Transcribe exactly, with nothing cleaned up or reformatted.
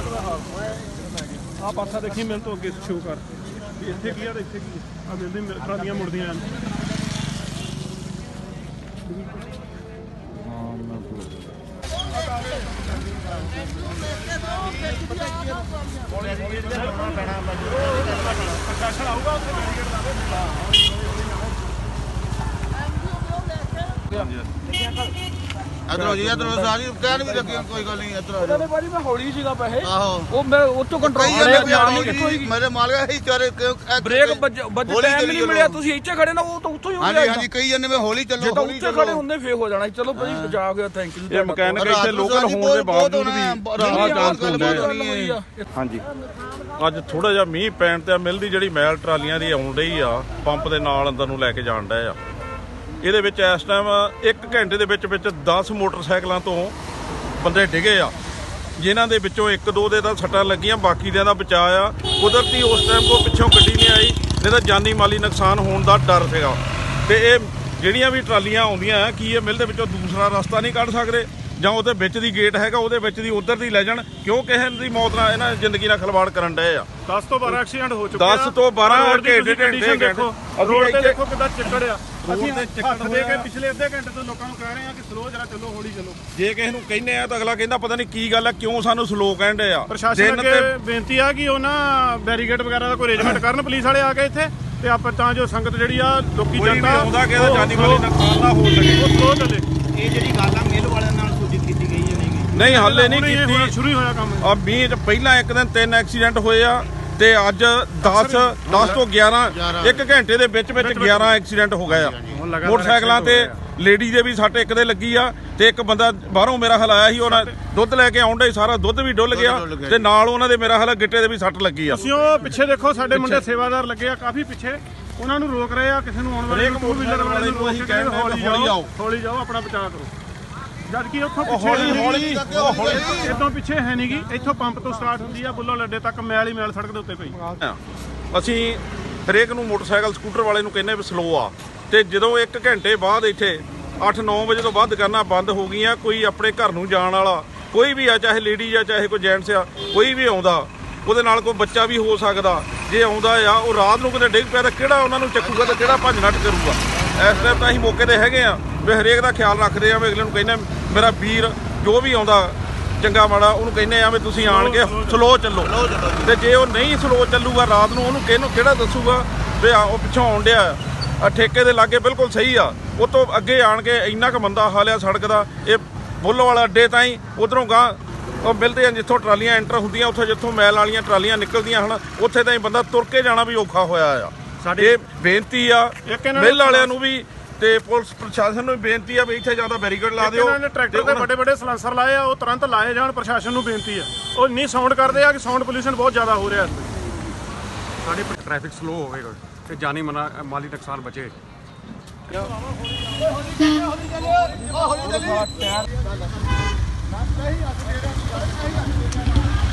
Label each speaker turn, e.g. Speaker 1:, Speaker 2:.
Speaker 1: ਆ ਪਾਸਾ ਦੇਖੀ ਮੈਨੂੰ ਤੋਂ ਅੱਗੇ ਸ਼ੋ ਕਰ ਇੱਥੇ ਕੀ ਆ ਤੇ ਇੱਥੇ ਕੀ ਆ ਮਿਲਦੀ ਟਰਾਲੀਆਂ ਮੁੜਦੀਆਂ ਪ੍ਰਸ਼ਾਸਨ ਆਊਗਾ ਉੱਥੇ ਬੈਰੀਕੇਡ
Speaker 2: ਇਧਰੋਂ ਜੀ ਇਧਰੋਂ ਸਾਰੀ ਕਹਿਣ ਵੀ ਲੱਗੀ ਕੋਈ ਗੱਲ ਨਹੀਂ ਇਧਰ
Speaker 1: ਉਹਨਾਂ ਨੇ ਬਾਰੀ ਮੈਂ ਹੌਲੀ ਸੀਗਾ ਪੈਸੇ
Speaker 2: ਆਹੋ
Speaker 1: ਉਹ ਮੈਂ ਉਹ ਤੋਂ ਕੰਟਰੋਲ
Speaker 2: ਮੇਰੇ ਮਾਲਕ ਹੀ ਚਾਰੇ
Speaker 1: ਬ੍ਰੇਕ ਵੱਜ ਟਾਈਮ ਨਹੀਂ ਮਿਲਿਆ ਤੁਸੀਂ ਇੱਥੇ ਖੜੇ ਨਾ ਉਹ ਤਾਂ ਉੱਥੋਂ ਹੀ ਹੋ ਗਿਆ
Speaker 2: ਹਾਂਜੀ ਹਾਂਜੀ ਕਈ ਜਣੇ ਮੈਂ ਹੌਲੀ ਚੱਲੋ
Speaker 1: ਹੌਲੀ ਚੱਲੋ ਖੜੇ ਹੁੰਦੇ ਫੇਰ ਹੋ ਜਾਣਾ ਚਲੋ ਭਾਈ ਬਚਾ ਗਿਆ ਥੈਂਕ ਯੂ
Speaker 3: ਇਹ ਮਕੈਨਿਕ ਇੱਥੇ ਲੋਕਲ ਹੋਣ ਦੇ ਬਾਵਜੂਦ ਵੀ ਰਾਹ ਚਾਂਸ ਹੁੰਦੇ ਆ ਹਾਂਜੀ ਅੱਜ ਥੋੜਾ ਜਿਹਾ ਮੀਂਹ ਪੈਣ ਤੇ ਮਿਲ ਦੀ ਜਿਹੜੀ ਮੈਲ ਟਰਾਲੀਆਂ ਦੀ ਆਉਣ ਰਹੀ ਆ ਪੰਪ ਦੇ ਨਾਲ ਅੰਦਰ ਨੂੰ ਲੈ ਕੇ ਜਾਣ ਡਏ ਆ ਇਹਦੇ ਵਿੱਚ ਇਸ ਟਾਈਮ ਇੱਕ ਘੰਟੇ ਦੇ ਵਿੱਚ ਵਿੱਚ ਦਸ ਮੋਟਰਸਾਈਕਲਾਂ ਤੋਂ ਬੰਦੇ ਡਿੱਗੇ ਆ ਜਿਨ੍ਹਾਂ ਦੇ ਵਿੱਚੋਂ ਇੱਕ ਦੋ ਦੇ ਤਾਂ ਸੱਟਾਂ ਲੱਗੀਆਂ ਬਾਕੀ ਦਿਆਂ ਦਾ ਬਚਾਅ ਆ ਕੁਦਰਤੀ ਉਸ ਟਾਈਮ ਕੋ ਪਿੱਛੋਂ ਗੱਡੀ ਨਹੀਂ ਆਈ ਨਹੀਂ ਤਾਂ ਜਾਨੀ ਮਾਲੀ ਨੁਕਸਾਨ ਹੋਣ ਦਾ ਡਰ ਸੀਗਾ ਤੇ ਇਹ ਜਿਹੜੀਆਂ ਵੀ ਟਰਾਲੀਆਂ ਆਉਂਦੀਆਂ ਕੀ ਇਹ ਮਿਲ ਦੇ ਵਿੱਚੋਂ ਦੂਸਰਾ ਰਸਤਾ ਨਹੀਂ ਕੱਢ ਸਕਦੇ ਜਾਂ ਉਹਦੇ ਵਿੱਚ ਦੀ ਗੇਟ ਹੈਗਾ ਉਹਦੇ ਵਿੱਚ ਦੀ ਉਧਰ ਦੀ ਲੈ ਜਾਣ ਕਿਉਂ ਕਿਸੇ ਦੀ ਮੌਤ ਨਾਲ ਇਹਨਾਂ ਜ਼ਿੰਦਗੀ ਨਾਲ ਖਿਲਵਾੜ ਕਰਨ ਡਏ ਆ
Speaker 1: ਦਸ ਤੋਂ ਬਾਰਾਂ ਐਕਸੀਡੈਂਟ ਹੋ ਚੁੱਕੇ ਆ
Speaker 3: ਦਸ ਤੋਂ ਬਾਰਾਂ ਘੰਟੇ ਘੰਟੇ
Speaker 1: ਦੇਖੋ ਰੋਡ ਤੇ ਦੇਖੋ ਕਿੱਦਾਂ ਚਿੱਕੜ ਆ ਅਸੀਂ ਹੱਥ ਦੇ ਕੇ ਪਿਛਲੇ ਅੱਧੇ ਘੰਟੇ ਤੋਂ ਲੋਕਾਂ ਨੂੰ ਕਹਿ ਰਹੇ ਆ ਕਿ ਸਲੋ ਜਰਾ ਚੱਲੋ ਹੌਲੀ ਚੱਲੋ
Speaker 3: ਜੇ ਕਿਸੇ ਨੂੰ ਕਹਿੰਦੇ ਆ ਤਾਂ ਅਗਲਾ ਕਹਿੰਦਾ ਪਤਾ ਨਹੀਂ ਕੀ ਗੱਲ ਆ ਕਿਉਂ ਸਾਨੂੰ ਸਲੋ ਕਹਿੰਦੇ ਆ
Speaker 1: ਪ੍ਰਸ਼ਾਸਨ ਅੱਗੇ ਬੇਨਤੀ ਆ ਕਿ ਉਹਨਾਂ ਬੈਰੀਕੇਡ ਵਗੈਰਾ ਦਾ ਕੋਈ ਅਰੇਂਜਮੈਂਟ ਕਰਨ ਪੁਲਿਸ ਵਾਲੇ ਆ ਕੇ ਇੱਥੇ ਤੇ ਆਪਾਂ ਤਾਂ ਜੋ ਸੰਗਤ ਜਿਹੜੀ ਆ ਲੋਕੀ
Speaker 3: ਜਨਤਾ ਆਉਂਦਾ ਕਿ ਇਹਦਾ ਜਾਨੀ ਮਾਲੀ ਨੁਕਸਾਨ ਨਾ ਹੋ ਸਕੇ
Speaker 1: ਉਹ ਸਲੋ ਚੱਲੇ
Speaker 2: ਇਹ ਜਿਹੜੀ ਗੱਲ ਆ ਮਿਲ ਵਾਲਿਆਂ ਨਾਲ ਸੂਚਿਤ ਕੀਤੀ ਗਈ ਹੈ ਨਹੀਂ
Speaker 3: ਨਹੀਂ ਹਾਲੇ ਨਹੀਂ ਕੀਤੀ
Speaker 1: ਸ਼ੁਰੂ ਹੀ ਹੋਇਆ ਕੰਮ
Speaker 3: ਆ ਮੀਂਹ ਚ ਪਹਿਲਾਂ ਇੱਕ ਦਿਨ ਤਿੰਨ ਐਕਸੀਡੈਂਟ ਹੋਏ ਆ ਤੇ ਅੱਜ ਦਸ ਦਸ ਤੋਂ ਗਿਆਰਾਂ ਇੱਕ ਘੰਟੇ ਦੇ ਵਿੱਚ ਵਿੱਚ ਗਿਆਰਾਂ ਐਕਸੀਡੈਂਟ ਹੋ ਗਏ ਆ ਮੋਟਰਸਾਈਕਲਾਂ ਤੇ ਲੇਡੀ ਦੇ ਵੀ ਸੱਟ ਇੱਕ ਦੇ ਲੱਗੀ ਆ ਤੇ ਇੱਕ ਬੰਦਾ ਬਾਹਰੋਂ ਮੇਰਾ ਹਾਲ ਆਇਆ ਸੀ ਉਹਨਾਂ ਦੁੱਧ ਲੈ ਕੇ ਆਉਂਦਾ ਸਾਰਾ ਦੁੱਧ ਵੀ ਡੁੱਲ ਗਿਆ ਤੇ ਨਾਲ ਉਹਨਾਂ ਦੇ ਮੇਰਾ ਹਾਲ ਗਿੱਟੇ ਦੇ ਵੀ ਸੱਟ ਲੱਗੀ ਆ
Speaker 1: ਅਸੀਂ ਉਹ ਪਿੱਛੇ ਦੇਖੋ ਸਾਡੇ ਮੁੰਡੇ ਸੇਵਾਦਾਰ ਲੱਗੇ ਆ ਕਾਫੀ ਪਿੱਛੇ ਉਹਨਾਂ ਨੂੰ ਰੋਕ ਰਹੇ ਆ ਕਿਸੇ ਨੂੰ ਆਉਣ ਵਾਲੇ ਟੂ ਵੀਲਰ ਵਾਲੇ ਨੂੰ ਅਸੀਂ ਕਹਿੰਦੇ ਹੌਲੀ ਜਾਓ ਹੌਲੀ ਜਾਓ ਆਪਣਾ ਬਚਾਅ ਕਰੋ ਜਦ ਕਿ ਉੱਥੋਂ ਪਿੱਛੇ
Speaker 3: ਹੌਲੀ ਹੌਲੀ
Speaker 1: ਇਦੋਂ ਪਿੱਛੇ ਹੈ ਨਹੀਂਗੀ ਇੱਥੋਂ ਪੰਪ ਤੋਂ ਸਟਾਰਟ ਹੁੰਦੀ ਆ ਬੁੱਲੋ ਲੱਡੇ ਤੱਕ ਮੈਲ ਹੀ ਮੈਲ ਸੜਕ ਦੇ ਉੱਤੇ ਪਈ
Speaker 3: ਅਸੀਂ ਹਰੇਕ ਨੂੰ ਮੋਟਰਸਾਈਕਲ ਸਕੂਟਰ ਵਾਲੇ ਨੂੰ ਕਹਿੰਦੇ ਵੀ ਸਲੋ ਆ ਤੇ ਜਦੋਂ ਇੱਕ ਘੰਟੇ ਬਾਅਦ ਇੱਥੇ ਅੱਠ ਨੌ ਵਜੇ ਤੋਂ ਬਾਅਦ ਦੁਕਾਨਾਂ ਬੰਦ ਹੋ ਗਈਆਂ ਕੋਈ ਆਪਣੇ ਘਰ ਨੂੰ ਜਾਣ ਵਾਲਾ ਕੋਈ ਵੀ ਆ ਚਾਹੇ ਲੇਡੀ ਆ ਚਾਹੇ ਕੋਈ ਜੈਂਟਸ ਆ ਕੋਈ ਵੀ ਆਉਂਦਾ ਉਹਦੇ ਨਾਲ ਕੋਈ ਬੱਚਾ ਵੀ ਹੋ ਸਕਦਾ ਜੇ ਆਉਂਦਾ ਆ ਉਹ ਰਾਤ ਨੂੰ ਕਿਤੇ ਡਿੱਗ ਪਿਆ ਤਾਂ ਕਿਹੜਾ ਉਹਨਾਂ ਨੂੰ ਚੱਕੂਗਾ ਤੇ ਕਿਹੜਾ ਭੱਜ ਨੱਠ ਕਰੂਗਾ ਇਸ ਟਾਈਮ ਤਾਂ ਅਸੀਂ ਮੌਕੇ ਤੇ ਹੈਗੇ ਆ ਵੀ ਹਰੇਕ ਦਾ ਖਿਆਲ ਰੱਖਦੇ ਆ ਵੀ ਅਗਲੇ ਨੂੰ ਕਹਿੰਦੇ ਮੇਰਾ ਵੀਰ ਜੋ ਵੀ ਆਉਂਦਾ ਚੰਗਾ ਮਾੜਾ ਉਹਨੂੰ ਕਹਿੰਦੇ ਆ ਵੀ ਤੁਸੀਂ ਆਣ ਕੇ ਸਲੋ ਚੱਲੋ ਤੇ ਜੇ ਉਹ ਨਹੀਂ ਸਲੋ ਚੱਲੂਗਾ ਰਾਤ ਨੂੰ ਉਹਨੂੰ ਕਿਹਨੂੰ ਕਿਹੜਾ ਦੱਸੂਗਾ ਵੀ ਉਹ ਪਿੱਛੋਂ ਆਉਣ ਡਿਆ ਆ ਠੇਕੇ ਦੇ ਲਾਗੇ ਬਿਲਕੁਲ ਸਹੀ ਆ ਉਹ ਤੋਂ ਅੱਗੇ ਆਣ ਕੇ ਇੰਨਾ ਕੁ ਮੰਦਾ ਹਾਲ ਆ ਸੜਕ ਦਾ ਇਹ ਬੁੱਲ ਵਾਲਾ ਅੱਡੇ ਤਾਈਂ ਉਧਰੋਂ ਗਾਂ ਉਹ ਮਿਲਦੇ ਆ ਜਿੱਥੋਂ ਟਰਾਲੀਆਂ ਐਂਟਰ ਹੁੰਦੀਆਂ ਉੱਥੇ ਜਿੱਥੋਂ ਮੈਲ ਵਾਲੀਆਂ ਟਰਾਲੀਆਂ ਨਿਕਲਦੀਆਂ ਹਨ ਉੱਥੇ ਤਾਈਂ ਬੰਦਾ ਤੁਰ ਕੇ ਜਾਣਾ ਵੀ ਔਖਾ ਹੋਇਆ ਆ ਸਾਡੇ ਬੇਨਤੀ ਆ ਮਿਲ ਵਾਲਿਆਂ ਨੂੰ ਵੀ ਤੇ ਪੁਲਿਸ ਪ੍ਰਸ਼ਾਸਨ ਨੂੰ ਬੇਨਤੀ ਆ ਵੀ ਇੱਥੇ ਜ਼ਿਆਦਾ ਬੈਰੀਕੇਡ ਲਾ ਦਿਓ
Speaker 1: ਇਹਨਾਂ ਨੇ ਟਰੈਕਟਰ ਤੇ ਵੱਡੇ ਵੱਡੇ ਸਲੈਂਸਰ ਲਾਏ ਆ ਉਹ ਤੁਰੰਤ ਲਾਏ ਜਾਣ ਪ੍ਰਸ਼ਾਸਨ ਨੂੰ ਬੇਨਤੀ ਆ ਉਹ ਇੰਨੀ ਸਾਊਂਡ ਕਰਦੇ ਆ ਕਿ ਸਾਊਂਡ ਪੋਲੂਸ਼ਨ ਬਹੁਤ ਜ਼ਿਆਦਾ ਹੋ ਰਿਹਾ
Speaker 4: ਸਾਡੇ ਟ੍ਰੈਫਿਕ ਸਲੋ ਹੋਵੇਗਾ ਤੇ ਜਾਨੀ ਮਾਲੀ ਨੁਕਸਾਨ ਬਚੇ
Speaker 2: ਹੌਲੀ ਚੱਲੀ